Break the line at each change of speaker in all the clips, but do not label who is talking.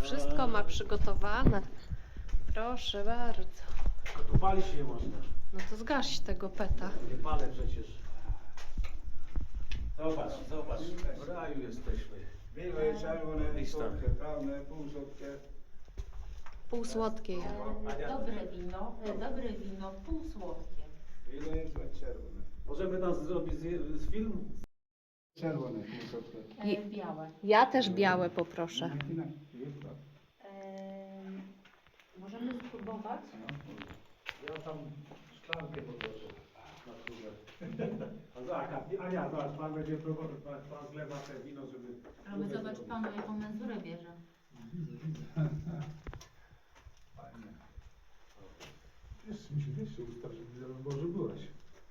wszystko ma przygotowane. Proszę bardzo.
A tu palić nie można.
No to zgaś tego peta.
Nie palę przecież. Zobacz, zobacz. W raju jesteśmy.
Wino jest czerwone,
Lista.
słodkie, prawne, półsłodkie.
Półsłodkie.
Dobre wino, półsłodkie.
Wino jest czerwone.
Możemy nas zrobić z film?
Czerwone, półsłodkie.
Białe.
Ja też białe poproszę.
Możemy spróbować?
Ja tam szklankę poproszę na górze. Ania, zobacz, pan będzie próbował, pan zlewa te wino, żeby...
Ale zobacz panu, jaką menzurę bierze.
Fajnie. Wiesz się ustaw, żeby Boże byłeś.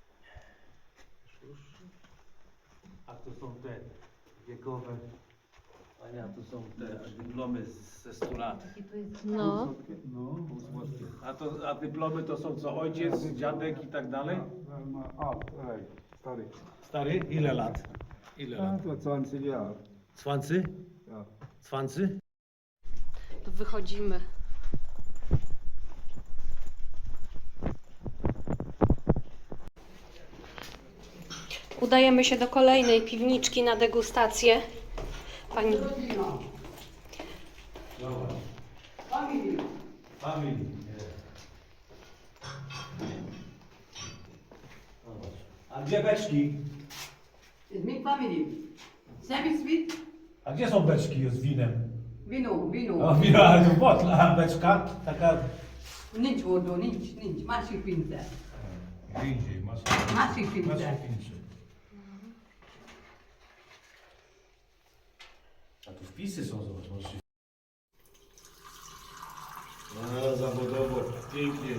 A tu są te wiekowe. Ania, tu są te dyplomy ze 100 lat.
Jakie to jest?
No.
Półsłodkie? No, półsłodkie.
A dyplomy to są co? Ojciec, dziadek i tak dalej?
Stary.
Stary? Ile lat? Ile
A,
lat?
to 20 lat.
Cwancy?
Ja.
Cwancy?
To wychodzimy. Udajemy się do kolejnej piwniczki na degustację. Pani...
Family. A gdzie beczki?
It's big family. Semi sweet,
A gdzie są beczki z winem?
vino, vino.
O, wino, ale to botla, a beczka taka...
Nincs hordó, nincs. Másik pincel.
Gdzie indziej, masz...
Másik pincel.
A tu wpisy są, zobacz, możesz się... No, zawodowo, pięknie,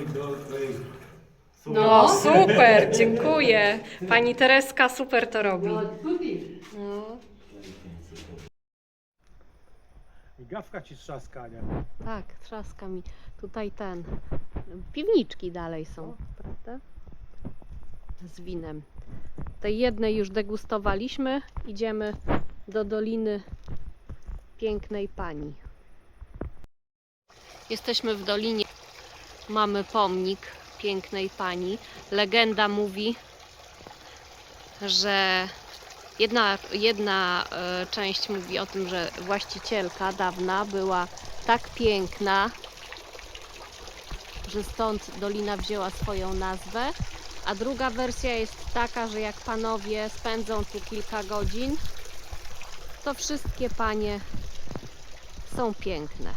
No super, dziękuję. Pani Tereska super to robi.
No, tutti.
No.
I gawka ci trzaskania.
Tak, trzaska mi. Tutaj piwniczki dalej są, prawda? Z winem. Tej jednej już degustowaliśmy. Idziemy do Doliny Pięknej Pani. Jesteśmy w Dolinie. Mamy pomnik Pięknej Pani. Legenda mówi, że jedna część mówi o tym, że właścicielka dawna była tak piękna, że stąd dolina wzięła swoją nazwę, a druga wersja jest taka, że jak panowie spędzą tu kilka godzin, to wszystkie panie są piękne.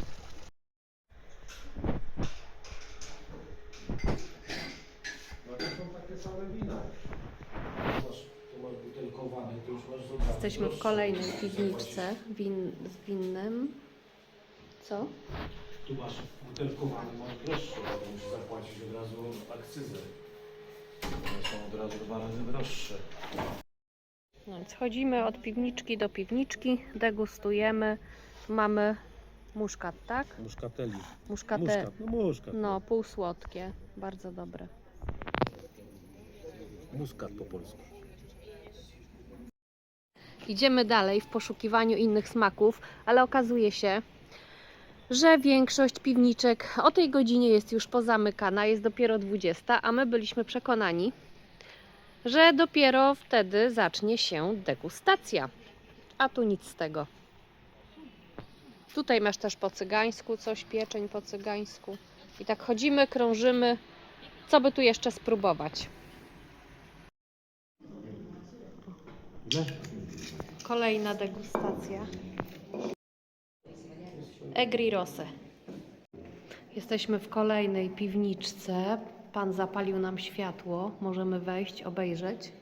No to są takie same wina. Tu masz butelkowane, to już masz zobaczyć.
Jesteśmy w kolejnej piwniczce z winnym. Co?
Tu masz butelkowane, masz droższe, bo musisz zapłacić od razu akcyzę. One są od razu 2 razy droższe.
No więc chodzimy od piwniczki do piwniczki, degustujemy. Mamy muszkat, tak?
Muszkateli.
Muszkatę.
Muszkat.
No, półsłodkie. Bardzo dobre.
Muskat po polsku.
Idziemy dalej w poszukiwaniu innych smaków, ale okazuje się, że większość piwniczek o tej godzinie jest już pozamykana, jest dopiero 20, a my byliśmy przekonani, że dopiero wtedy zacznie się degustacja. A tu nic z tego. Tutaj masz też po cygańsku coś, pieczeń po cygańsku. I tak chodzimy, krążymy, co by tu jeszcze spróbować. Kolejna degustacja. Egri Rosé. Jesteśmy w kolejnej piwniczce. Pan zapalił nam światło. Możemy wejść, obejrzeć.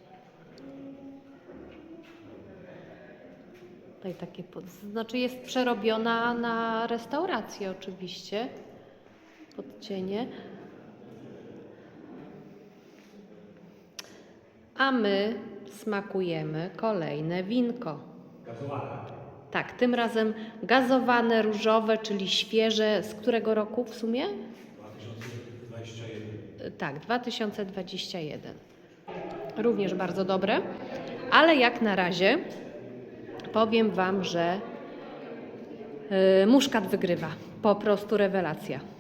Tutaj takie, znaczy jest przerobiona na restaurację oczywiście. Podcienie. A my smakujemy kolejne winko.
Gazowane.
Tak, tym razem gazowane, różowe, czyli świeże. Z którego roku w sumie?
2021.
Tak, 2021. Również bardzo dobre, ale jak na razie powiem Wam, że Muszkat wygrywa. Po prostu rewelacja.